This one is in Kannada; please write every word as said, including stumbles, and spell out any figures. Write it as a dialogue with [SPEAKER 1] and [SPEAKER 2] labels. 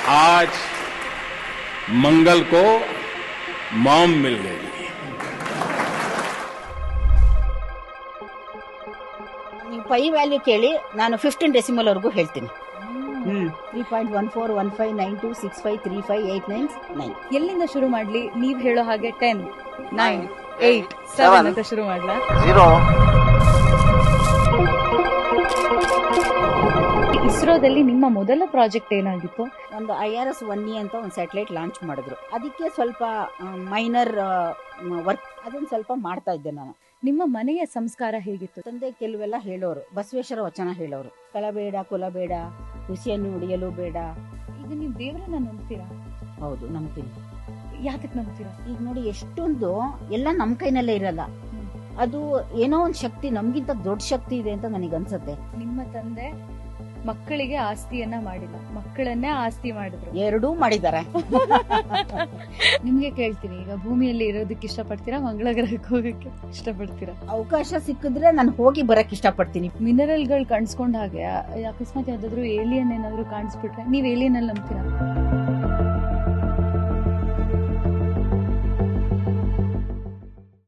[SPEAKER 1] आज मंगल को मॉम मिल गई।
[SPEAKER 2] ನೀವು ಪೈ ವ್ಯಾಲ್ಯೂ ಕೇಳಿ ನಾನು ಫಿಫ್ಟೀನ್ ಡೆಸಿಮಲ್ ವರೆಗೂ ಹೇಳ್ತೀನಿ. Three point one four one five nine two six five three five eight nine nine.
[SPEAKER 3] ಎಲ್ಲಿಂದ ಶುರು ಮಾಡ್ಲಿ? ನೀವ್ ಹೇಳೋ ಹಾಗೆ ಟೆನ್ ನೈನ್ ಏಟ್ ಸೆವೆನ್ ಅಂತ ಶುರು ಮಾಡ್ಲಾ? ಇಸ್ರೋದಲ್ಲಿ ನಿಮ್ಮ ಮೊದಲ ಪ್ರಾಜೆಕ್ಟ್ ಏನಾಗಿತ್ತು?
[SPEAKER 2] ಒಂದು I R S one E ಅಂತ ಒಂದು ಸ್ಯಾಟಲೈಟ್ ಲಾಂಚ್ ಮಾಡಿದ್ರು. ಅದಕ್ಕೆ ಸ್ವಲ್ಪ ಮೈನರ್ ವರ್ಕ್ ಅದನ್ನ ಸ್ವಲ್ಪ ಮಾಡ್ತಾ ಇದ್ದೆ ನಾನು.
[SPEAKER 3] ನಿಮ್ಮ ಮನೆಯ ಸಂಸ್ಕಾರ ಹೇಗಿತ್ತು?
[SPEAKER 2] ತಂದೆ ಕೆಲವೆಲ್ಲ ಹೇಳೋರು, ಬಸವೇಶ್ವರ ವಚನ ಹೇಳೋರು. ಕಳಬೇಡ ಕುಲಬೇಡ, ಹುಸಿಯನ್ನು ಉಡಿಯಲು ಬೇಡ.
[SPEAKER 3] ಈಗ ನೀವು ದೇವರನ್ನ ನಂಬ್ತೀರಾ?
[SPEAKER 2] ಹೌದು, ನಂಬ್ತೀನಿ.
[SPEAKER 3] ಯಾತಕ್ ನಂಬ್ತೀರಾ?
[SPEAKER 2] ಈಗ ನೋಡಿ, ಎಷ್ಟೊಂದು ಎಲ್ಲ ನಮ್ ಕೈನಲ್ಲೇ ಇರಲ್ಲ. ಅದು ಏನೋ ಒಂದು ಶಕ್ತಿ, ನಮ್ಗಿಂತ ದೊಡ್ಡ ಶಕ್ತಿ ಇದೆ ಅಂತ ನನಗೆ ಅನ್ಸುತ್ತೆ.
[SPEAKER 3] ನಿಮ್ಮ ತಂದೆ ಮಕ್ಕಳಿಗೆ ಆಸ್ತಿಯನ್ನ ಮಾಡಿಲ್ಲ, ಮಕ್ಕಳನ್ನೇ ಆಸ್ತಿ ಮಾಡಿದ್ರು.
[SPEAKER 2] ಎರಡೂ ಮಾಡಿದ್ದಾರೆ.
[SPEAKER 3] ನಿಮ್ಗೆ ಕೇಳ್ತೀನಿ, ಈಗ ಭೂಮಿಯಲ್ಲಿ ಇರೋದಕ್ಕೆ ಇಷ್ಟಪಡ್ತೀರಾ, ಮಂಗಳ ಗ್ರಹಕ್ಕೆ ಹೋಗಕ್ಕೆ ಇಷ್ಟಪಡ್ತೀರಾ?
[SPEAKER 2] ಅವಕಾಶ ಸಿಕ್ಕಿದ್ರೆ ನಾನು ಹೋಗಿ ಬರಕ್ ಇಷ್ಟಪಡ್ತೀನಿ.
[SPEAKER 3] ಮಿನರಲ್ಗಳು ಕಾಣಿಸ್ಕೊಂಡ ಹಾಗೆ ಅಕಸ್ಮಾತ್ ಯಾವ್ದಾದ್ರು ಏಲಿಯನ್ ಏನಾದ್ರು ಕಾಣಿಸ್ಬಿಟ್ರೆ ನೀವ್ ಏಲಿಯನ್ ಅಲ್ಲಿ ನಂಬ್ತೀರಾ?